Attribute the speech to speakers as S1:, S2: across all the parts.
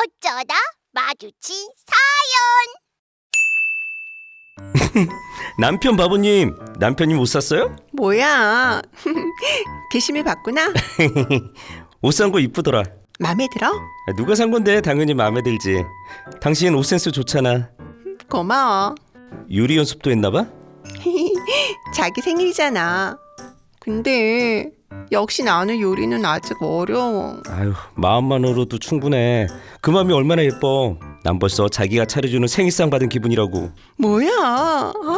S1: 어쩌다 마주친
S2: 남편 바보님, 남편이 옷 샀어요?
S3: 뭐야? 게시물 봤구나?
S2: 옷 산 거 이쁘더라.
S3: 맘에 들어?
S2: 누가 산 건데 당연히 마음에 들지. 당신 옷 센스 좋잖아.
S3: 고마워.
S2: 요리 연습도 했나 봐?
S3: 자기 생일이잖아. 근데 역시 나는 요리는 아직 어려워.
S2: 아유, 마음만으로도 충분해. 그 마음이 얼마나 예뻐. 난 벌써 자기가 차려주는 생일상 받은 기분이라고.
S3: 뭐야? 아우.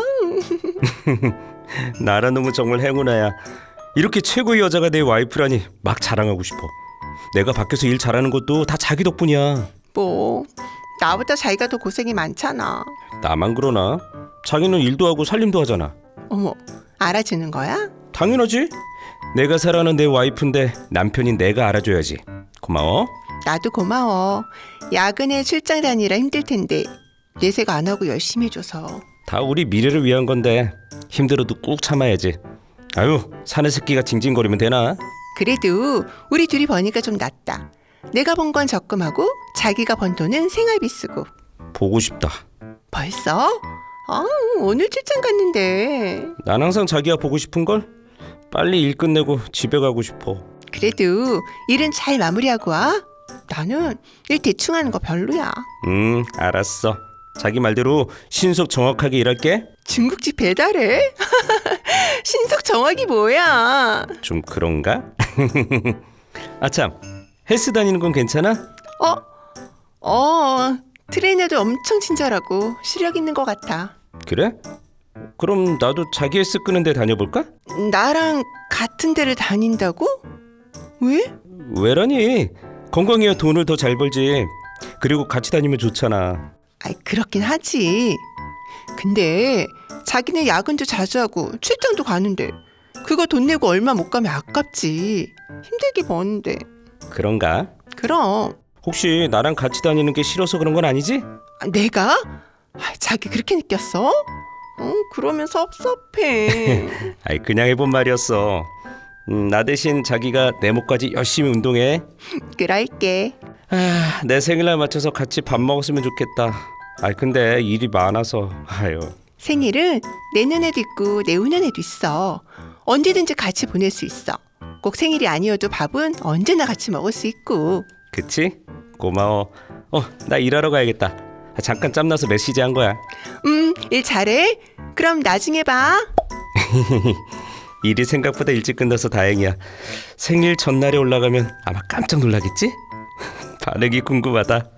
S2: 나라 놈은 정말 행운아야. 이렇게 최고의 여자가 내 와이프라니 막 자랑하고 싶어. 내가 밖에서 일 잘하는 것도 다 자기 덕분이야.
S3: 뭐 나보다 자기가 더 고생이 많잖아.
S2: 나만 그러나? 자기는 일도 하고 살림도 하잖아.
S3: 어머, 알아주는 거야?
S2: 당연하지. 내가 사랑하는 내 와이프인데 남편인 내가 알아줘야지. 고마워.
S3: 나도 고마워. 야근에 출장 다니라 힘들 텐데 내색 안 하고 열심히 해줘서.
S2: 다 우리 미래를 위한 건데 힘들어도 꾹 참아야지. 아유, 사내 새끼가 징징거리면 되나?
S3: 그래도 우리 둘이 버니까 좀 낫다. 내가 번 건 적금하고 자기가 번 돈은 생활비 쓰고.
S2: 보고 싶다.
S3: 벌써? 오늘 출장 갔는데.
S2: 난 항상 자기가 보고 싶은걸? 빨리 일 끝내고 집에 가고 싶어.
S3: 그래도 일은 잘 마무리하고 와. 나는 일 대충 하는 거 별로야.
S2: 알았어. 자기 말대로 신속 정확하게 일할게.
S3: 중국집 배달해? 신속 정확이 뭐야?
S2: 좀 그런가? 아참, 헬스 다니는 건 괜찮아?
S3: 트레이너도 엄청 친절하고 실력 있는 것 같아.
S2: 그래? 그럼 나도 자기 헬스 끄는 데 다녀볼까?
S3: 나랑 같은 데를 다닌다고? 왜?
S2: 왜라니? 건강해야 돈을 더 잘 벌지. 그리고 같이 다니면 좋잖아.
S3: 아이, 그렇긴 하지. 근데 자기는 야근도 자주 하고 출장도 가는데 그거 돈 내고 얼마 못 가면 아깝지. 힘들게 버는데.
S2: 그런가?
S3: 그럼.
S2: 혹시 나랑 같이 다니는 게 싫어서 그런 건 아니지?
S3: 내가? 자기 그렇게 느꼈어? 그러면 섭섭해.
S2: 아이, 그냥 해본 말이었어. 나 대신 자기가 내 목까지 열심히 운동해.
S3: 그럴게.
S2: 내 생일날 맞춰서 같이 밥 먹었으면 좋겠다. 근데 일이 많아서. 아유.
S3: 생일은 내년에도 있고 내후년에도 있어. 언제든지 같이 보낼 수 있어. 꼭 생일이 아니어도 밥은 언제나 같이 먹을 수 있고.
S2: 그치? 고마워. 나 일하러 가야겠다. 잠깐 짬나서 메시지 한 거야.
S3: 일 잘해. 그럼 나중에 봐.
S2: 일이 생각보다 일찍 끝나서 다행이야. 생일 전날에 올라가면 아마 깜짝 놀라겠지? 반응이 궁금하다.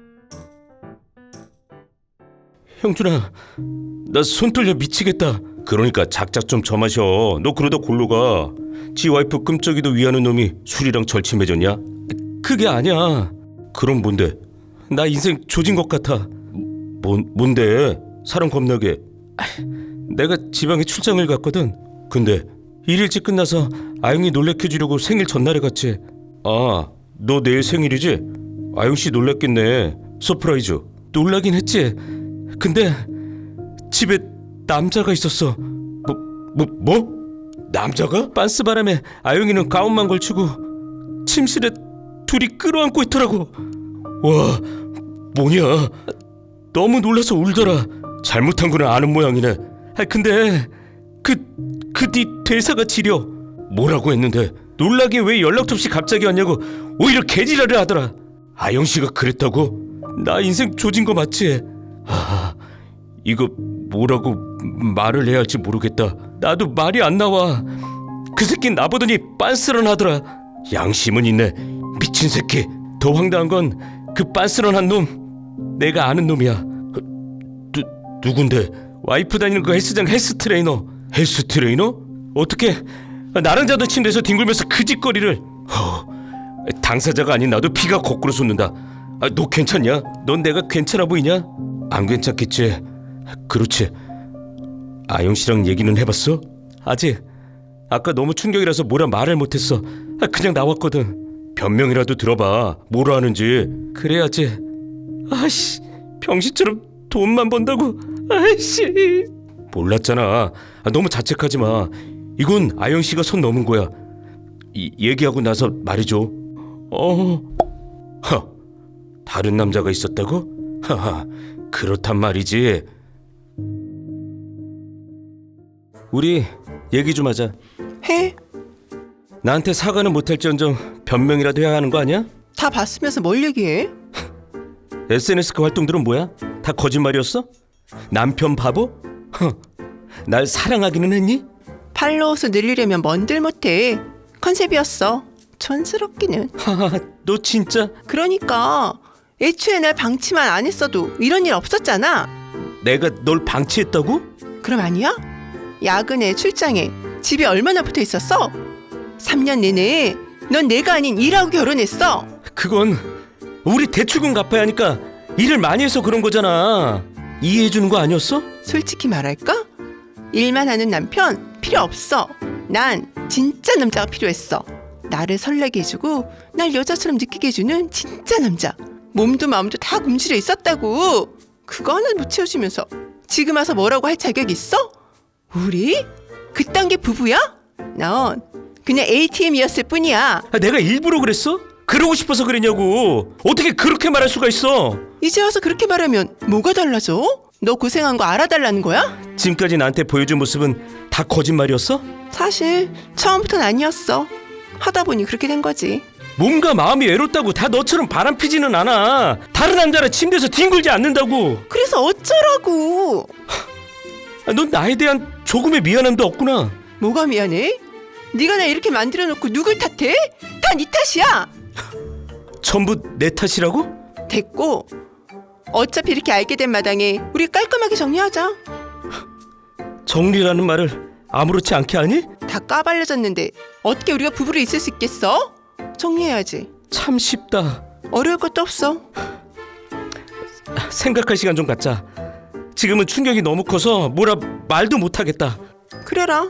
S2: 형준아, 나 손 떨려 미치겠다. 그러니까 작작 좀 저마셔. 너 그러다 골로 가. 지 와이프 끔쩍이도 위하는 놈이 술이랑 절친해졌냐? 그게 아니야. 그럼 뭔데? 나 인생 조진 것 같아. 뭔데? 사람 겁나게. 내가 지방에 출장을 갔거든. 근데 일 일찍 끝나서 아영이 놀래켜주려고 생일 전날에 갔지. 너 내일 생일이지? 아영씨 놀랬겠네. 서프라이즈. 놀라긴 했지. 근데 집에 남자가 있었어. 뭐? 남자가? 빤스바람에 아영이는 가운만 걸치고 침실에 둘이 끌어안고 있더라고. 와, 뭐냐? 너무 놀라서 울더라. 잘못한 거는 아는 모양이네. 근데 그 뒤 대사가 지려. 뭐라고 했는데 놀라게 왜 연락도 없이 갑자기 왔냐고 오히려 개지랄을 하더라. 아영씨가 그랬다고? 나 인생 조진 거 맞지? 이거 뭐라고 말을 해야 할지 모르겠다. 나도 말이 안 나와. 그 새끼는 나보더니 빤스런 하더라. 양심은 있네. 미친 새끼. 더 황당한 건 그 빤스런한 놈 내가 아는 놈이야. 누군데? 와이프 다니는 그 헬스장 헬스 트레이너. 헬스 트레이너? 어떻게 나랑 자던 침대에서 뒹굴면서 그 짓거리를. 당사자가 아닌 나도 피가 거꾸로 솟는다. 너 괜찮냐? 넌 내가 괜찮아 보이냐? 안 괜찮겠지. 그렇지. 아영씨랑 얘기는 해봤어? 아직. 아까 너무 충격이라서 뭐라 말을 못했어. 그냥 나왔거든. 변명이라도 들어봐. 뭐라 하는지. 그래야지. 아이씨, 병신처럼 돈만 번다고. 아이씨. 몰랐잖아. 너무 자책하지 마. 이건 아영씨가 선 넘은 거야. 얘기하고 나서 말이죠. 다른 남자가 있었다고? 하하, 그렇단 말이지. 우리 얘기 좀 하자.
S3: 해?
S2: 나한테 사과는 못할지언정 변명이라도 해야 하는 거 아니야?
S3: 다 봤으면서 뭘 얘기해?
S2: SNS 그 활동들은 뭐야? 다 거짓말이었어? 남편 바보? 날 사랑하기는 했니?
S3: 팔로워 수 늘리려면 뭔들 못해. 컨셉이었어. 촌스럽기는.
S2: 하하, 너 진짜.
S3: 그러니까 애초에 날 방치만 안 했어도 이런 일 없었잖아.
S2: 내가 널 방치했다고?
S3: 그럼 아니야? 야근에 출장에 집에 얼마나 붙어 있었어? 3년 내내 넌 내가 아닌 일하고 결혼했어.
S2: 그건 우리 대출금 갚아야 하니까 일을 많이 해서 그런 거잖아. 이해해 주는 거 아니었어?
S3: 솔직히 말할까? 일만 하는 남편 필요 없어. 난 진짜 남자가 필요했어. 나를 설레게 해주고 날 여자처럼 느끼게 해주는 진짜 남자. 몸도 마음도 다 굶주려 있었다고. 그거 하나 못 채워주면서 지금 와서 뭐라고 할 자격 있어? 우리? 그딴 게 부부야? 넌 그냥 ATM이었을 뿐이야.
S2: 내가 일부러 그랬어? 그러고 싶어서 그랬냐고. 어떻게 그렇게 말할 수가 있어?
S3: 이제 와서 그렇게 말하면 뭐가 달라져? 너 고생한 거 알아달라는 거야?
S2: 지금까지 나한테 보여준 모습은 다 거짓말이었어?
S3: 사실 처음부터는 아니었어. 하다 보니 그렇게 된 거지.
S2: 몸과 마음이 외롭다고 다 너처럼 바람피지는 않아. 다른 남자랑 침대에서 뒹굴지 않는다고.
S3: 그래서 어쩌라고.
S2: 넌 나에 대한 조금의 미안함도 없구나.
S3: 뭐가 미안해? 네가 나 이렇게 만들어 놓고 누굴 탓해? 다 네 탓이야.
S2: 전부 내 탓이라고?
S3: 됐고, 어차피 이렇게 알게 된 마당에 우리 깔끔하게 정리하자.
S2: 정리라는 말을 아무렇지 않게 하니?
S3: 다 까발려졌는데 어떻게 우리가 부부로 있을 수 있겠어? 정리해야지.
S2: 참 쉽다.
S3: 어려울 것도 없어.
S2: 생각할 시간 좀 갖자. 지금은 충격이 너무 커서 뭐라 말도 못하겠다.
S3: 그래라.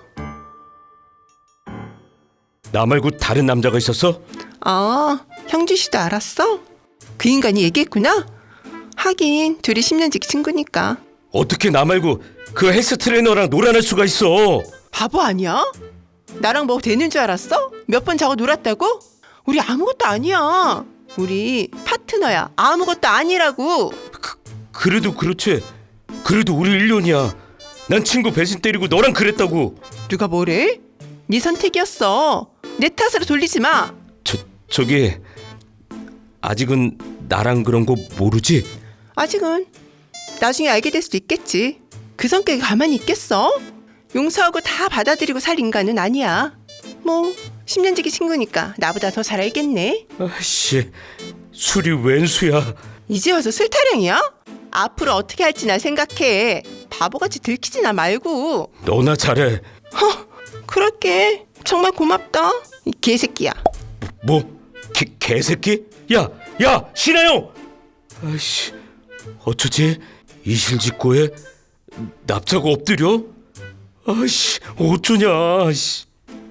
S2: 나 말고 다른 남자가 있었어?
S3: 아, 형주 씨도 알았어? 그 인간이 얘기했구나? 하긴 둘이 10년지기 친구니까.
S2: 어떻게 나 말고 그 헬스 트레이너랑 놀아날 수가 있어?
S3: 바보 아니야? 나랑 뭐 되는 줄 알았어? 몇 번 자고 놀았다고? 우리 아무것도 아니야. 우리 파트너야. 아무것도 아니라고.
S2: 그래도 그렇지. 그래도 우리 1년이야. 난 친구 배신 때리고 너랑 그랬다고.
S3: 누가 뭐래? 네 선택이었어. 내 탓으로 돌리지 마.
S2: 저기 아직은 나랑 그런 거 모르지?
S3: 아직은. 나중에 알게 될 수도 있겠지. 그 성격이 가만히 있겠어? 용서하고 다 받아들이고 살 인간은 아니야. 뭐 10년지기 친구니까 나보다 더 잘 알겠네.
S2: 아씨, 술이 웬수야.
S3: 이제 와서 술 타령이야? 앞으로 어떻게 할지 나 생각해. 바보같이 들키지나 말고.
S2: 너나 잘해.
S3: 그럴게. 정말 고맙다. 이 개새끼야.
S2: 뭐? 개새끼? 야, 신하영! 아이씨, 어쩌지? 이실직고에 납작 엎드려? 아이씨, 어쩌냐? 씨.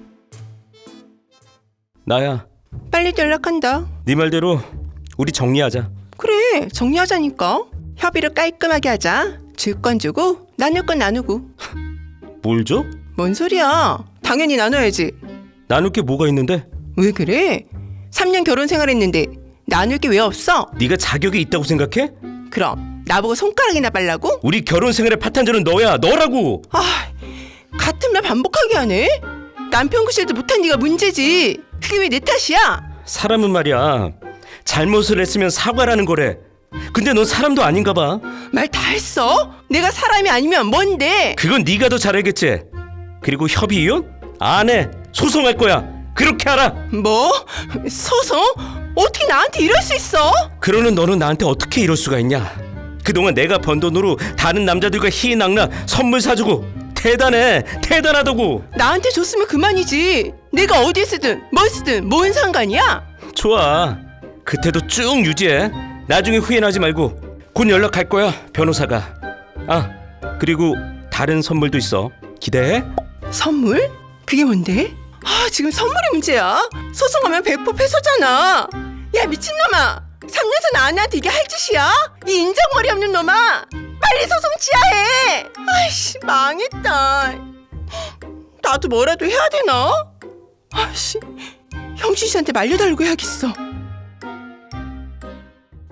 S2: 나야.
S3: 빨리 연락한다.
S2: 네 말대로 우리 정리하자.
S3: 그래, 정리하자니까. 협의를 깔끔하게 하자. 줄 건 주고 나눌 건 나누고.
S2: 뭘 줘?
S3: 뭔 소리야? 당연히 나눠야지.
S2: 나눌 게 뭐가 있는데?
S3: 왜 그래? 3년 결혼 생활했는데 나눌 게 왜 없어?
S2: 네가 자격이 있다고 생각해?
S3: 그럼 나보고 손가락이나 빨라고?
S2: 우리 결혼 생활의 파탄자는 너야, 너라고.
S3: 아, 같은 말 반복하게 하네? 남편 구실도 못한 네가 문제지. 그게 왜 내 탓이야?
S2: 사람은 말이야, 잘못을 했으면 사과라는 거래. 근데 넌 사람도 아닌가 봐.
S3: 말 다 했어? 내가 사람이 아니면 뭔데?
S2: 그건 네가 더 잘 알겠지. 그리고 협의 이혼? 안 해. 소송할 거야. 그렇게 알아.
S3: 뭐? 소송? 어떻게 나한테 이럴 수 있어?
S2: 그러는 너는 나한테 어떻게 이럴 수가 있냐. 그동안 내가 번 돈으로 다른 남자들과 희희낙락 선물 사주고. 대단하다고.
S3: 나한테 줬으면 그만이지. 내가 어디 쓰든 뭘 쓰든 뭔 상관이야?
S2: 좋아. 그때도 쭉 유지해. 나중에 후회하지 말고. 곧 연락할 거야, 변호사가. 아, 그리고 다른 선물도 있어. 기대해.
S3: 선물? 그게 뭔데? 아, 지금 선물이 문제야. 소송하면 100% 패소잖아. 야, 미친놈아. 3년산 아내한테 이게 할 짓이야? 이 인정머리 없는 놈아. 빨리 소송 취하해. 아이씨, 망했다. 나도 뭐라도 해야 되나? 아이씨, 형준 씨한테 말려달라고 해야겠어.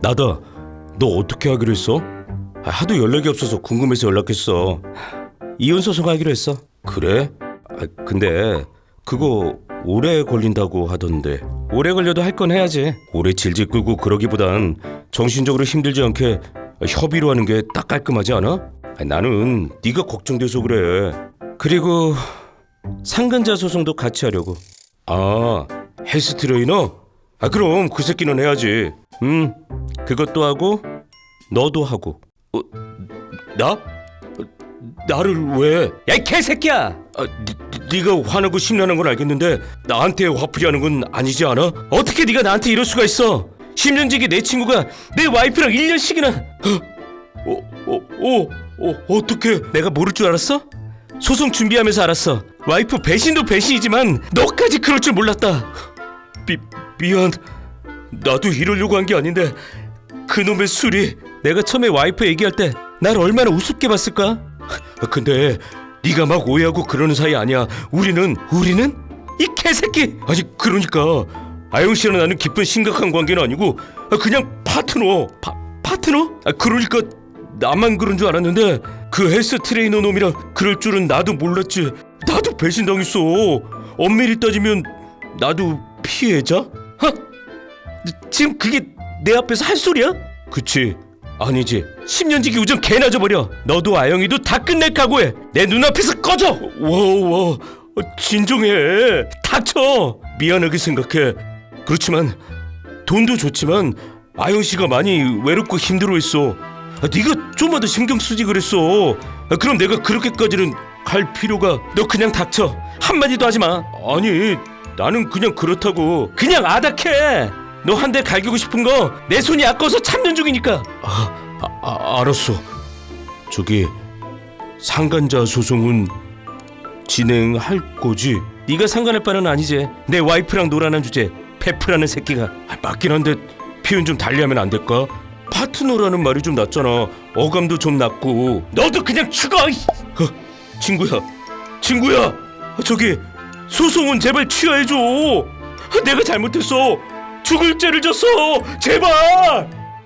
S2: 나다. 너 어떻게 하기로 했어? 하도 연락이 없어서 궁금해서 연락했어. 이혼 소송하기로 했어. 그래? 근데 그거 오래 걸린다고 하던데. 오래 걸려도 할 건 해야지. 오래 질질 끌고 그러기보단 정신적으로 힘들지 않게 협의로 하는 게 딱 깔끔하지 않아? 나는 네가 걱정돼서 그래. 그리고 상근자 소송도 같이 하려고. 아, 헬스 트레이너? 그럼 그 새끼는 해야지. 그것도 하고 너도 하고. 나? 나를 왜? 야, 이 개새끼야! 네가 화나고 심란한 건 알겠는데 나한테 화풀이하는 건 아니지 않아? 어떻게 네가 나한테 이럴 수가 있어? 10년 지기 내 친구가 내 와이프랑 1년씩이나. 어떻게? 내가 모를 줄 알았어? 소송 준비하면서 알았어. 와이프 배신도 배신이지만 너까지 그럴 줄 몰랐다. 미안. 나도 이러려고 한 게 아닌데 그놈의 술이. 내가 처음에 와이프 얘기할 때 날 얼마나 우습게 봤을까? 근데 네가 막 오해하고 그러는 사이 아니야. 우리는 이 개새끼. 아니 그러니까 아영 씨랑 나는 깊은 심각한 관계는 아니고 그냥 파트너. 파트너? 그러니까 나만 그런 줄 알았는데 그 헬스 트레이너 놈이랑 그럴 줄은 나도 몰랐지. 나도 배신당했어. 엄밀히 따지면 나도 피해자? 지금 그게 내 앞에서 할 소리야? 그치. 아니지. 10년지기 우정 개나 져버려. 너도 아영이도 다 끝낼 각오해. 내 눈앞에서 꺼져. 와 진정해. 닥쳐. 미안하게 생각해. 그렇지만 돈도 좋지만 아영씨가 많이 외롭고 힘들어했어. 네가 좀만 더 신경 쓰지 그랬어. 그럼 내가 그렇게까지는 갈 필요가. 너 그냥 닥쳐. 한마디도 하지마. 아니 나는 그냥 그렇다고. 그냥 아닥해. 너 한 대 갈기고 싶은 거 내 손이 아까워서 참는 중이니까. 알았어. 저기 상간자 소송은 진행할 거지? 네가 상관할 바는 아니지. 내 와이프랑 놀아난 주제 페프라는 새끼가. 맞긴 한데 표현 좀 달리하면 안 될까? 파트너라는 말이 좀 낫잖아. 어감도 좀 낫고. 너도 그냥 죽어. 친구야 저기 소송은 제발 취하해줘. 내가 잘못했어. 죽을 죄를 졌어. 제발.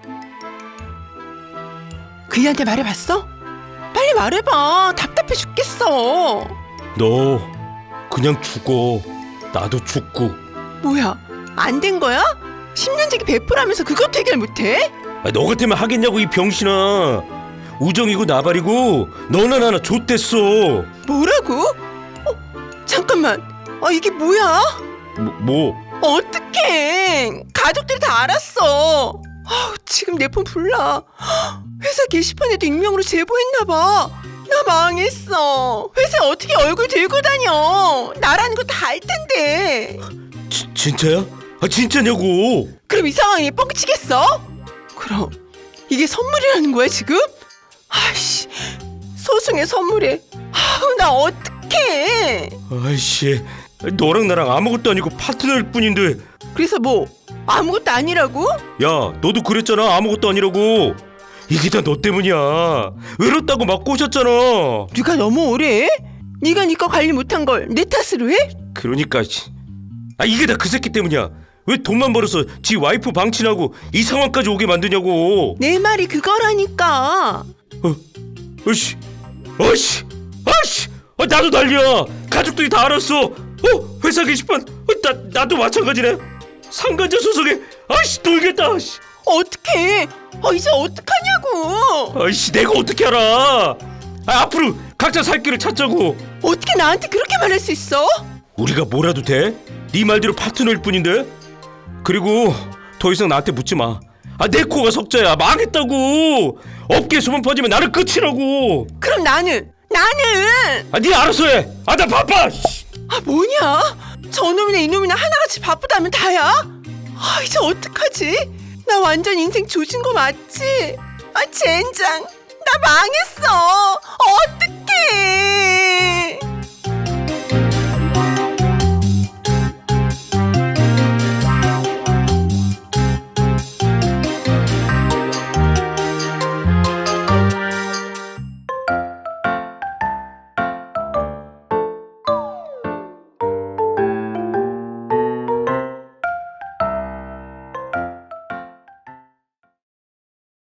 S3: 그이한테 말해봤어? 빨리 말해봐. 답답해 죽겠어.
S2: 너 그냥 죽어. 나도 죽고.
S3: 뭐야, 안 된 거야? 10년지기 베풀하면서 그것도 해결 못해?
S2: 너 같으면 하겠냐고 이 병신아. 우정이고 나발이고 너나 나나 좆됐어.
S3: 뭐라고? 잠깐만. 이게 뭐야?
S2: 뭐?
S3: 어떡해. 가족들이 다 알았어. 지금 내 폰 불나. 회사 게시판에도 익명으로 제보했나봐. 나 망했어. 회사에 어떻게 얼굴 들고 다녀. 나라는 거 다 알 텐데.
S2: 진짜야? 진짜냐고.
S3: 그럼 이 상황이 뻥치겠어? 그럼 이게 선물이라는 거야 지금? 아이씨, 소송의 선물에. 나 어떡해.
S2: 아이씨, 너랑 나랑 아무것도 아니고 파트너일 뿐인데.
S3: 그래서 뭐 아무것도 아니라고?
S2: 야, 너도 그랬잖아. 아무것도 아니라고. 이게 다 너 때문이야. 외롭다고 막 꼬셨잖아.
S3: 네가 너무 오래 해? 네가 네 거 관리 못한 걸 내 탓으로 해?
S2: 그러니까 이게 다 그 새끼 때문이야. 왜 돈만 벌어서 지 와이프 방치하고 이 상황까지 오게 만드냐고.
S3: 내 말이 그거라니까.
S2: 아이씨, 나도 난리야. 가족들이 다 알았어. 회사 게시판. 나도 마찬가지네. 상간자 소송에. 아이씨, 놀겠다.
S3: 어떡해. 이제 어떡하냐고.
S2: 아이씨, 내가 어떻게 알아. 앞으로 각자 살 길을 찾자고.
S3: 어떻게 나한테 그렇게 말할 수 있어?
S2: 우리가 뭐라도 돼? 네 말대로 파트너일 뿐인데. 그리고 더 이상 나한테 묻지 마. 내 코가 석자야. 망했다고. 업계 소문 퍼지면 나는 끝이라고.
S3: 그럼 나는
S2: 네 알아서 해. 나 바빠.
S3: 뭐냐? 저놈이나 이놈이나 하나같이 바쁘다면 다야? 이제 어떡하지? 나 완전 인생 조진 거 맞지? 젠장, 나 망했어. 어떡해.